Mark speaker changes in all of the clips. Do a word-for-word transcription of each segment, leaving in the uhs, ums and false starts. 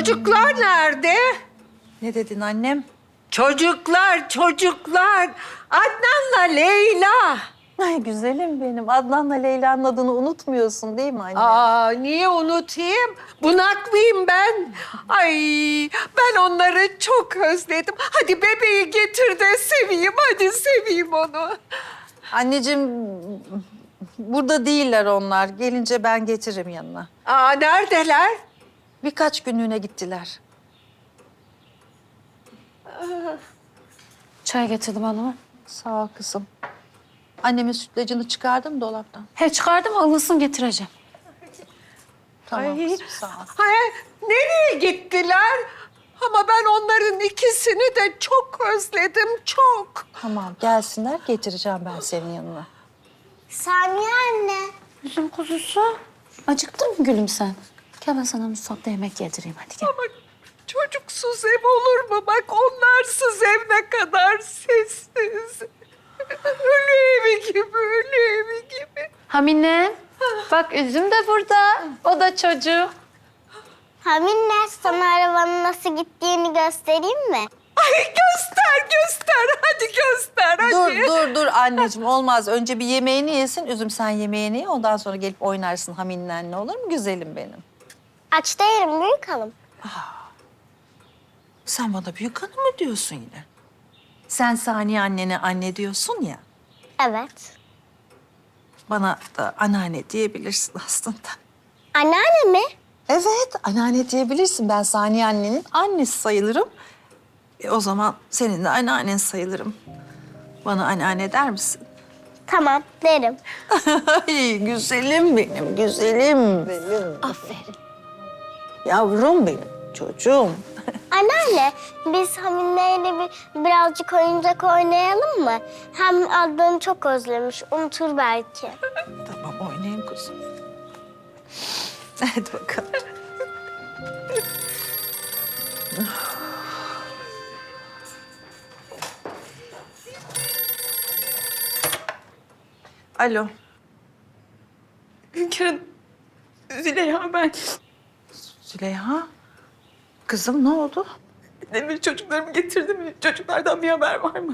Speaker 1: Çocuklar nerede?
Speaker 2: Ne dedin annem?
Speaker 1: Çocuklar, çocuklar. Adnan'la Leyla.
Speaker 2: Ay güzelim benim. Adnan'la Leyla'nın adını unutmuyorsun değil mi anne?
Speaker 1: Aa, niye unutayım? Bunak mıyım ben? Ay, ben onları çok özledim. Hadi bebeği getir de seveyim, hadi seveyim onu.
Speaker 2: Anneciğim, burada değiller onlar. Gelince ben getiririm yanına.
Speaker 1: Aa, neredeler?
Speaker 2: Birkaç günlüğüne gittiler.
Speaker 3: Çay getirdim hanımım.
Speaker 2: Sağ ol kızım. Annemin sütlacını çıkardım dolaptan.
Speaker 3: He çıkardım, ılınsın getireceğim.
Speaker 2: Tamam
Speaker 1: Ay,
Speaker 2: kızım, sağ ol.
Speaker 1: Hayır, nereye gittiler? Ama ben onların ikisini de çok özledim, çok.
Speaker 2: Tamam, gelsinler getireceğim ben senin yanına.
Speaker 4: Saniye anne.
Speaker 3: Üzüm kuzusu. Acıktın mı gülüm sen? Gel ben sana mutfakta yemek yedireyim hadi gel.
Speaker 1: Ama çocuksuz ev olur mu? Bak onlarsız ev ne kadar sessiz. Ölü evi gibi, ölü evi gibi.
Speaker 3: Hamine, bak üzüm de burada. O da çocuk.
Speaker 4: Haminle sana arabanın nasıl gittiğini göstereyim mi?
Speaker 1: Ay göster, göster. Hadi göster, hadi.
Speaker 2: Dur, dur, dur anneciğim. Olmaz. Önce bir yemeğini yesin. Üzüm sen yemeğini ye. Ondan sonra gelip oynarsın Hamin'le, olur mu güzelim benim?
Speaker 4: Aç değilim büyük hanım.
Speaker 2: Sen bana büyük hanım mı diyorsun yine? Sen Saniye annene anne diyorsun ya.
Speaker 4: Evet.
Speaker 2: Bana da anneanne diyebilirsin aslında.
Speaker 4: Anneanne mi?
Speaker 2: Evet, anneanne diyebilirsin. Ben Saniye annenin annesi sayılırım. E, o zaman senin de anneannen sayılırım. Bana anneanne der misin?
Speaker 4: Tamam derim.
Speaker 2: Ay güzelim benim, güzelim benim.
Speaker 3: Aferin.
Speaker 2: Yavrum benim, çocuğum.
Speaker 4: Anneanne biz Hamine'yle bir, birazcık oyuncak oynayalım mı? Hem Adnan'ı çok özlemiş unutur belki.
Speaker 2: Tamam, oynayın kuzum. Hadi bakalım. Alo.
Speaker 5: Hünkârım, Züleyha ben.
Speaker 2: Züleyha. Kızım ne oldu?
Speaker 5: Demir çocuklarımı getirdi mi? Çocuklardan bir haber var mı?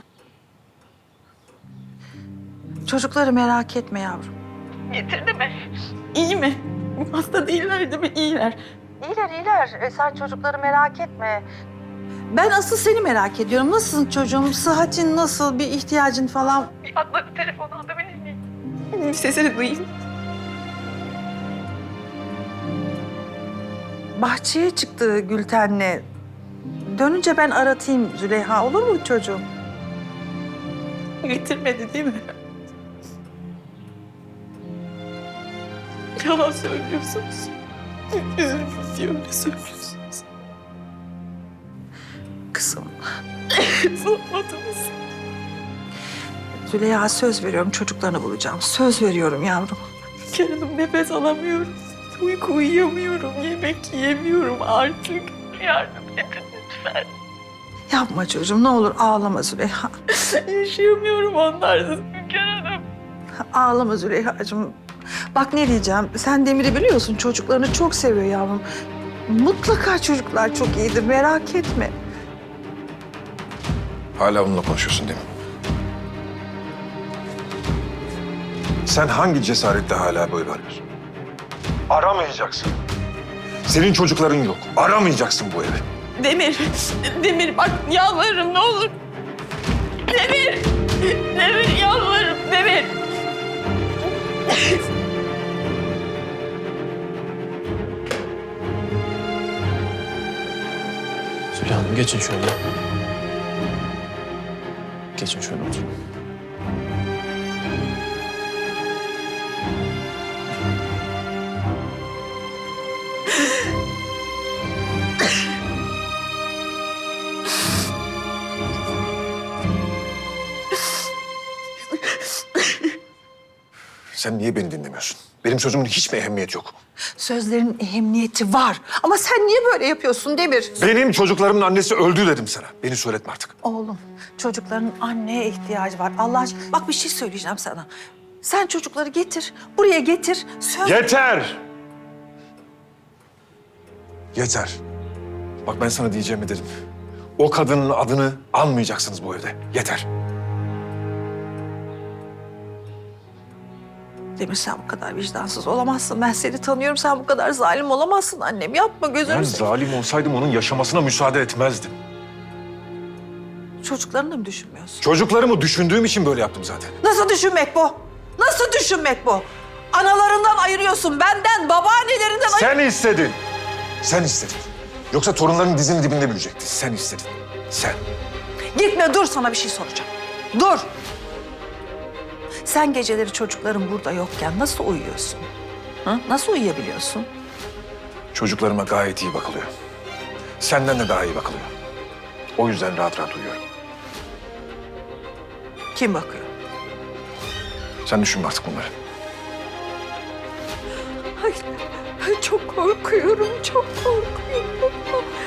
Speaker 2: Çocukları merak etme yavrum.
Speaker 5: Getirdi mi? İyi mi? Hasta değiller değil mi? İyiler.
Speaker 2: İyiler iyiler. E, sen çocukları merak etme. Ben asıl seni merak ediyorum. Nasılsın çocuğum? Sıhhatin nasıl? Bir ihtiyacın falan?
Speaker 5: Bir atla bir telefon alabilir miyim? Bir sesini duyayım.
Speaker 2: Bahçeye çıktı Gülten'le. Dönünce ben aratayım Züleyha. Olur mu çocuğum?
Speaker 5: Getirmedi değil mi? Yalan söylüyorsunuz. Üzülüm diye öyle söylüyorsunuz.
Speaker 2: Kızım.
Speaker 5: Sormadınız.
Speaker 2: Züleyha söz veriyorum çocuklarını bulacağım. Söz veriyorum yavrum.
Speaker 5: Kendim nefes alamıyorum. Uyku uyuyamıyorum. Yemek yiyemiyorum artık. Yardım edin lütfen.
Speaker 2: Yapma çocuğum ne olur ağlama Züleyha.
Speaker 5: Yaşayamıyorum onlarsız Hünkâr Hanım.
Speaker 2: Ağlama Züleyha'cığım. Bak ne diyeceğim. Sen Demir'i biliyorsun. Çocuklarını çok seviyor yavrum. Mutlaka çocuklar çok iyidir. Merak etme.
Speaker 6: Hala onunla konuşuyorsun değil mi? Sen hangi cesaretle hala böyle arıyorsun? Aramayacaksın. Senin çocukların yok. Aramayacaksın bu evi.
Speaker 5: Demir, Demir bak yalvarırım ne olur. Demir, Demir yalvarırım Demir.
Speaker 7: Züleyha Hanım geçin şöyle. Geçin şöyle oturun.
Speaker 6: Sen niye beni dinlemiyorsun? Benim sözümün hiç mi ehemmiyeti yok?
Speaker 2: Sözlerin ehemmiyeti var. Ama sen niye böyle yapıyorsun Demir?
Speaker 6: Benim çocuklarımın annesi öldü dedim sana. Beni söyletme artık.
Speaker 2: Oğlum, çocukların anneye ihtiyacı var. Allah aşkına. Bak bir şey söyleyeceğim sana. Sen çocukları getir, buraya getir. Söz...
Speaker 6: Yeter! Yeter. Bak ben sana diyeceğimi dedim. O kadının adını anmayacaksınız bu evde. Yeter.
Speaker 2: Demir sen bu kadar vicdansız olamazsın. Ben seni tanıyorum. Sen bu kadar zalim olamazsın annem. Yapma gözünü
Speaker 6: Ben
Speaker 2: seveyim.
Speaker 6: zalim olsaydım onun yaşamasına müsaade etmezdim.
Speaker 2: Çocuklarını da mı düşünmüyorsun?
Speaker 6: Çocuklarımı düşündüğüm için böyle yaptım zaten.
Speaker 2: Nasıl düşünmek bu? Nasıl düşünmek bu? Analarından ayırıyorsun. Benden, babaannelerinden ayır...
Speaker 6: Sen istedin. Sen istedin. Yoksa torunların dizinin dibinde büyüyecekti. Sen istedin. Sen.
Speaker 2: Gitme dur, sana bir şey soracağım. Dur. Sen geceleri çocukların burada yokken nasıl uyuyorsun? Hı? Nasıl uyuyabiliyorsun?
Speaker 6: Çocuklarıma gayet iyi bakılıyor. Senden de daha iyi bakılıyor. O yüzden rahat rahat uyuyorum.
Speaker 2: Kim bakıyor?
Speaker 6: Sen düşünme artık bunları.
Speaker 1: Ay, çok korkuyorum, çok korkuyorum.